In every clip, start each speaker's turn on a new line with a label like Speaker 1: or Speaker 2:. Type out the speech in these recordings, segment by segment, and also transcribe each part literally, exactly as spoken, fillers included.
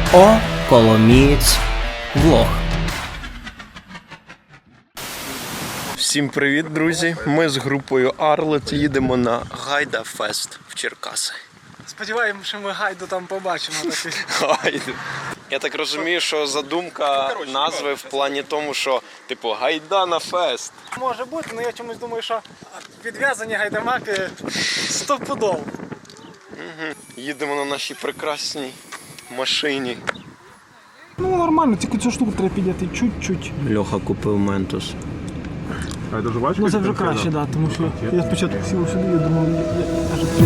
Speaker 1: О, Коломієць влог.
Speaker 2: Всім привіт, друзі! Ми з групою Арлет їдемо на Гайда Фест в Черкаси.
Speaker 3: Сподіваємося, що ми Гайду там побачимо.
Speaker 2: Гайду. Я так розумію, що задумка назви в плані тому, що типу Гайда на фест.
Speaker 3: Може бути, але я чомусь думаю, що відв'язані гайдамаки стопудово.
Speaker 2: Угу. Їдемо на нашій прекрасній машині.
Speaker 3: Ну нормально, тільки цю штуку треба підняти чуть-чуть.
Speaker 2: Льоха купив Ментос.
Speaker 4: А це жувачка?
Speaker 3: Ну це вже краще, так, да, тому що я спочатку сів сюди, я думав, я, я, я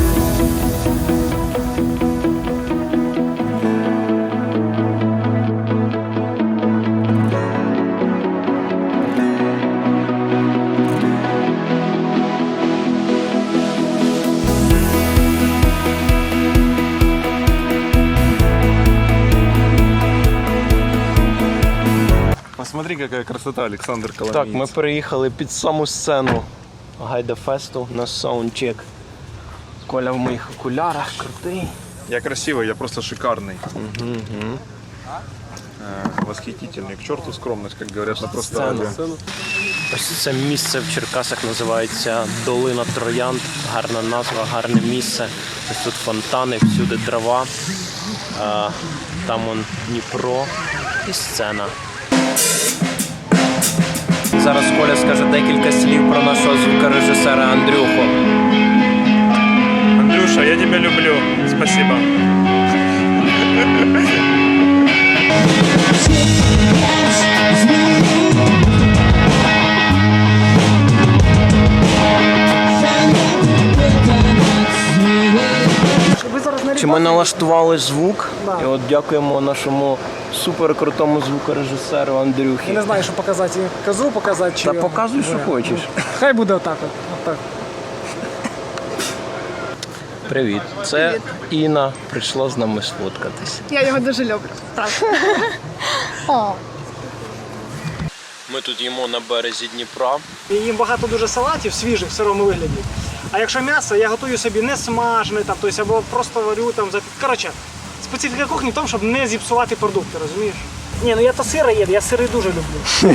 Speaker 4: Посмотри, какая красота, Александр Коломиец.
Speaker 2: Так, ми переїхали під саму сцену Гайда Фесту на саундчек. Коля в моїх окулярах, крутий.
Speaker 4: Я красивый, я просто шикарный.
Speaker 2: Угу, угу.
Speaker 4: Э, восхитительный. К черту скромность, как говорят на просто радио.
Speaker 2: Ось це місце в Черкасах називається Долина Троянд. Гарна назва, гарне місце. Ось тут фонтани, всюди трава. А, там он Дніпро і сцена. Зараз Коля скаже декілька слів про нашого звукорежисера Андрюху.
Speaker 4: Андрюша, я тебя люблю. Спасибо.
Speaker 2: Чи ми налаштували звук?
Speaker 3: Да.
Speaker 2: І от дякуємо нашому суперкрутому звукорежисеру Андрюхі.
Speaker 3: Я не знаю, що показати. Козу показати чи...
Speaker 2: Та показуй, що хочеш.
Speaker 3: Хай буде отак от. Отак.
Speaker 2: Привіт. Це Інна прийшла з нами сфоткатись.
Speaker 5: Я його дуже люблю. Правда. О.
Speaker 2: Ми тут їмо на березі Дніпра.
Speaker 3: І їм багато дуже салатів свіжих в сирому вигляді. А якщо м'ясо, я готую собі не смажене, там, тобто, або просто варю там. Коротше, специфіка кухні в тому, щоб не зіпсувати продукти, розумієш? Ні, ну я то сири їду, я сири дуже люблю.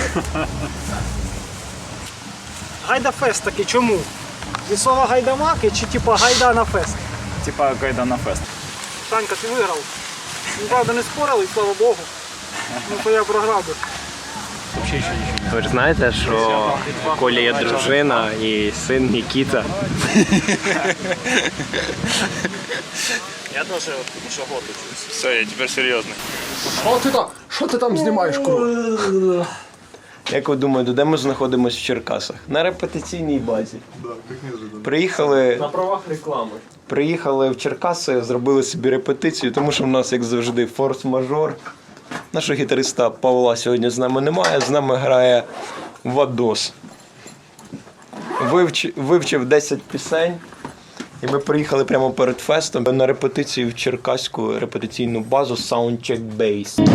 Speaker 3: Гайда фест таки, чому? Від слова гайдамаки чи типа гайда на фест?
Speaker 4: Типа Гайда на фест.
Speaker 3: Танька, ти виграв. Ну, правда, не спорили, слава Богу. Ну то я програв би.
Speaker 2: Ви ж знаєте, що Коля є дружина і син Нікіта.
Speaker 4: Я тоже еще год учусь. Все, я теперь серьезный.
Speaker 3: Що ти там? Що ти там знімаєш, курва?
Speaker 2: Як ви думаєте, де ми знаходимося в Черкасах? На репетиційній базі. Приїхали,
Speaker 3: На правах реклами.
Speaker 2: приїхали в Черкаси, зробили собі репетицію, тому що в нас, як завжди, форс-мажор. Нашого гітариста Павла сьогодні з нами немає, з нами грає Вадос. Вивч, вивчив десять пісень, і ми приїхали прямо перед фестом на репетицію в черкаську репетиційну базу Soundcheck Base.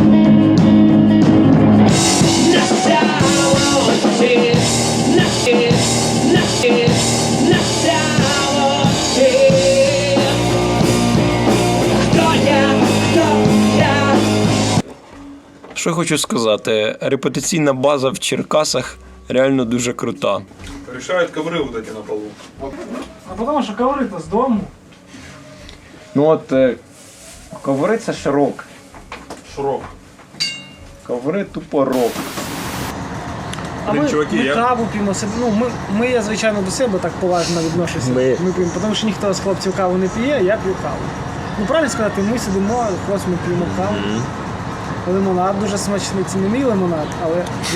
Speaker 2: Що хочу сказати, репетиційна база в Черкасах реально дуже крута.
Speaker 4: Решают ковры вот эти на полу.
Speaker 3: А тому що коври-то з дому.
Speaker 2: Ну от, е, коври це ж рок.
Speaker 4: Шрок.
Speaker 2: Коври тупо рок.
Speaker 3: А
Speaker 4: Блін,
Speaker 3: ми,
Speaker 4: чуваки,
Speaker 3: ми
Speaker 4: я-
Speaker 3: каву п'ємо себе. Ну, ми, ми, я, звичайно, до себе так поважно відношуся.
Speaker 2: Ми-
Speaker 3: Ми п'ємо, тому що ніхто з хлопців каву не п'є, я п'ю каву. Ну, правильно сказати, ми сидимо, хлопці, ми п'ємо каву. Лимонад дуже смачний, це не мій лимонад, але...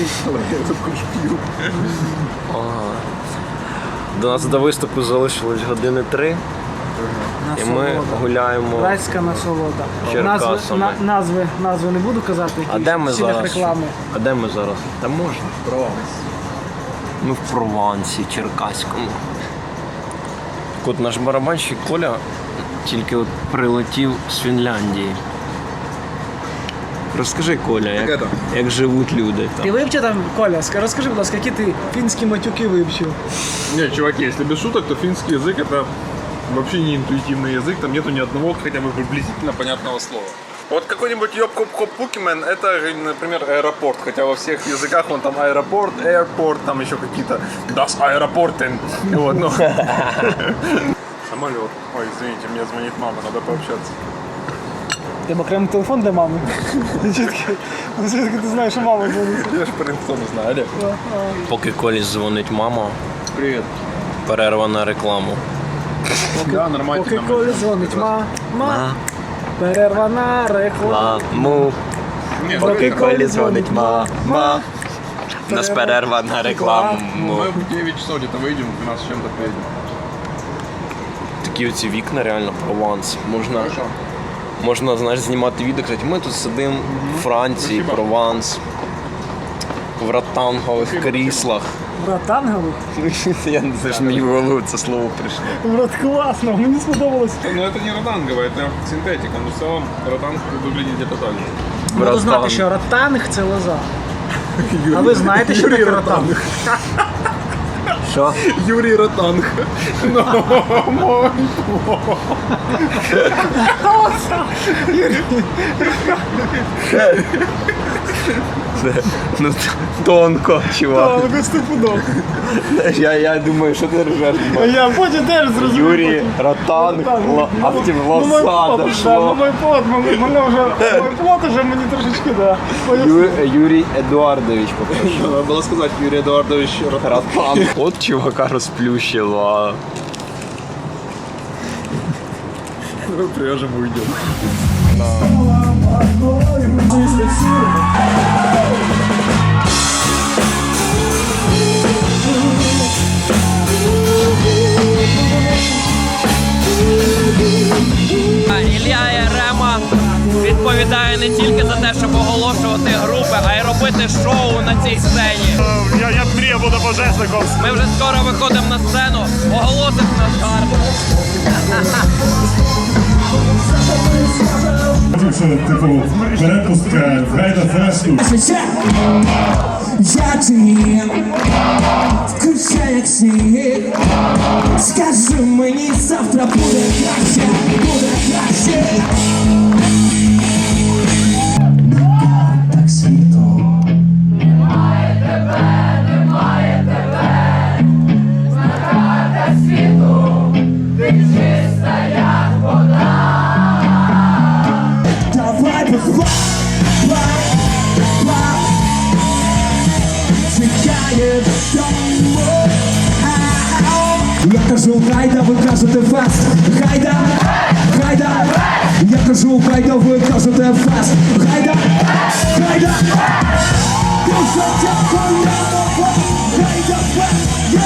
Speaker 2: До нас до виступу залишилось години три, і ми гуляємо.
Speaker 3: Райська насолода.
Speaker 2: Черкасами.
Speaker 3: Назви, на, назви, назви не буду казати,
Speaker 2: А
Speaker 3: які
Speaker 2: де ми
Speaker 3: в цілях
Speaker 2: зараз?
Speaker 3: реклами.
Speaker 2: А де ми зараз? Та можна. Прованс. Ми в Провансі, Черкаському. Так от наш барабанщик Коля тільки от прилетів з Фінляндії. Розкажи, Коля, як,
Speaker 4: это?
Speaker 2: як живуть люди
Speaker 3: Ти
Speaker 2: там.
Speaker 3: вивчив там, Коля, ска- розкажи, будь ласка, які ти фінські матюки вивчив?
Speaker 4: Не, чуваки, если без шуток, то финский язык это вообще не интуитивный язык, там нету ни одного хотя бы приблизительно понятного слова.
Speaker 6: Вот какой-нибудь Йоп-Хоп-Хоп-Пукимен, это, например, аэропорт, хотя во всех языках он там аэропорт, airport, там еще какие-то Das Aeroporten. Вот, ну. Самолет. Ой, извините, мне звонит мама, надо пообщаться.
Speaker 3: Тебе окремий телефон для мами? Звідки ти знаєш, що мама дзвонить?
Speaker 6: Я ж по рингтону знаю, Олег.
Speaker 2: Поки Колі дзвонить мама,
Speaker 6: Привет.
Speaker 2: перерва на рекламу.
Speaker 6: Да, нормально.
Speaker 3: Поки Колі дзвонить, ма, ма, перерва на рекламу.
Speaker 2: Маму,
Speaker 6: Нет,
Speaker 3: Поки Колі
Speaker 2: дзвонить мама. У нас перерва на рекламу.
Speaker 6: мы в девять часов где-то выйдем, в двенадцать с чем-то приедем.
Speaker 2: Такі оці вікна, реально Прованс. Можна,
Speaker 6: Хорошо.
Speaker 2: можна, знаєш, знімати відео, казати, ми тут сидимо в Франції,
Speaker 6: Спасибо.
Speaker 2: Прованс, в ротангових кріслах.
Speaker 3: Брат ангелу?
Speaker 2: Я не знаю, що мені в голову це слово прийшло.
Speaker 3: Брат, класно, мені сподобалось.
Speaker 6: Но это не ротанговая, это синтетика, но в целом ротанг выглядит где-то так же.
Speaker 3: Буду знати, що ротанг – це лоза. А ви знаєте, що таке ротанг?
Speaker 2: Що?
Speaker 6: Юрий Ротанг.
Speaker 2: Ну, тонко, чувак.
Speaker 3: Так, стопудов.
Speaker 2: Я, я думаю, що ти ржеш.
Speaker 3: А я потім теж зрозумів.
Speaker 2: Юрій, Ротанг, Ло- а потім
Speaker 3: Ну, мой
Speaker 2: лоса
Speaker 3: плод, да, ну,
Speaker 2: дошло.
Speaker 3: мой плод, мене мене вже, мой плод уже мені трошечки, да.
Speaker 2: Ю, Юрій Едуардович попрошу.
Speaker 6: Надо было сказать Юрий Эдуардович Ротанг.
Speaker 2: Ротанг. От чувака розплющило.
Speaker 6: Пряжем уйдем.
Speaker 7: Ілля Ярема відповідає не тільки за те, щоб оголошувати групи, а й робити шоу на цій сцені.
Speaker 8: Я, я мрію бути пожежником.
Speaker 7: Ми вже скоро виходимо на сцену, оголосить нас гарно.
Speaker 8: Це, типу, перепустка гайда фесту.
Speaker 9: Я ти включай як сніг. Скажи мені, завтра буде краще, буде краще. Так світло. Немає тебе, немає тебе. Знакати світу, ти чиста як вода. Давай позвай, чекає дому. Я кажу, гайда, ви кажете фест. Гайда, гайда. Я кажу, гайда, ви кажете фест. Гайда, гайда. Дуже дякую, гайда фест.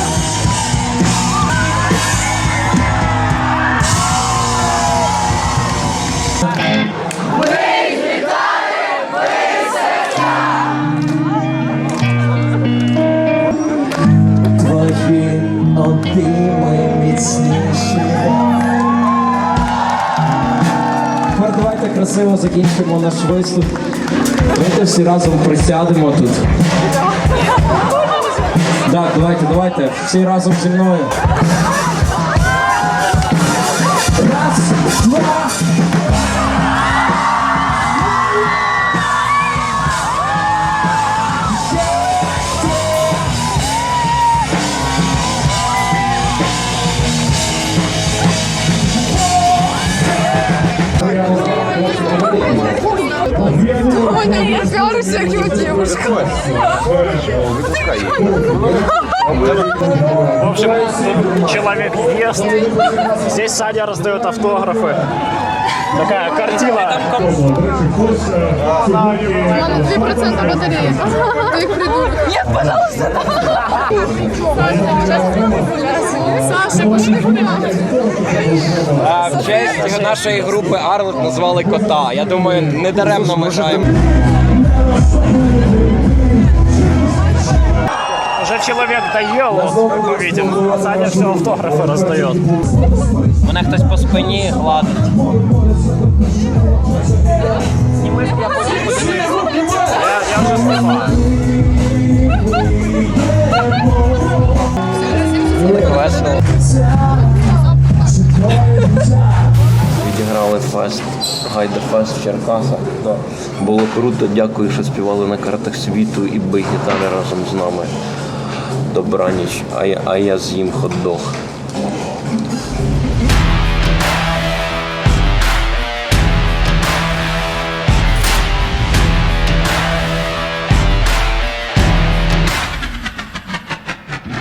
Speaker 9: Твої обійми міцніші. Тепер давайте красиво закінчимо наш виступ. Давайте всі разом присядемо тут. Так, давайте, давайте, всі разом зі мною. Раз, два.
Speaker 5: Ой, я пиарюсь, как его девушка.
Speaker 8: В общем, человек ест. Здесь Саня раздает автографы. Такая картина.
Speaker 5: Мама, три процента батареи. Ты их придурок. Нет, пожалуйста. Саша, пошли гулять.
Speaker 7: В честь нашої групи Арлик назвали кота. Я думаю, не даремно ми граємо.
Speaker 8: Уже человек доел, вот, как мы видим. А Саня все автографы раздает.
Speaker 7: Мене хтось по спині гладить.
Speaker 8: Я, я уже снимаю.
Speaker 2: Весело. Відіграли Гайдефест. Гайдефест в Черкасах. Да. Було круто, дякую, що співали на картах світу і бий гітари разом з нами. Добраніч, а я, а я з'їм хот-дог.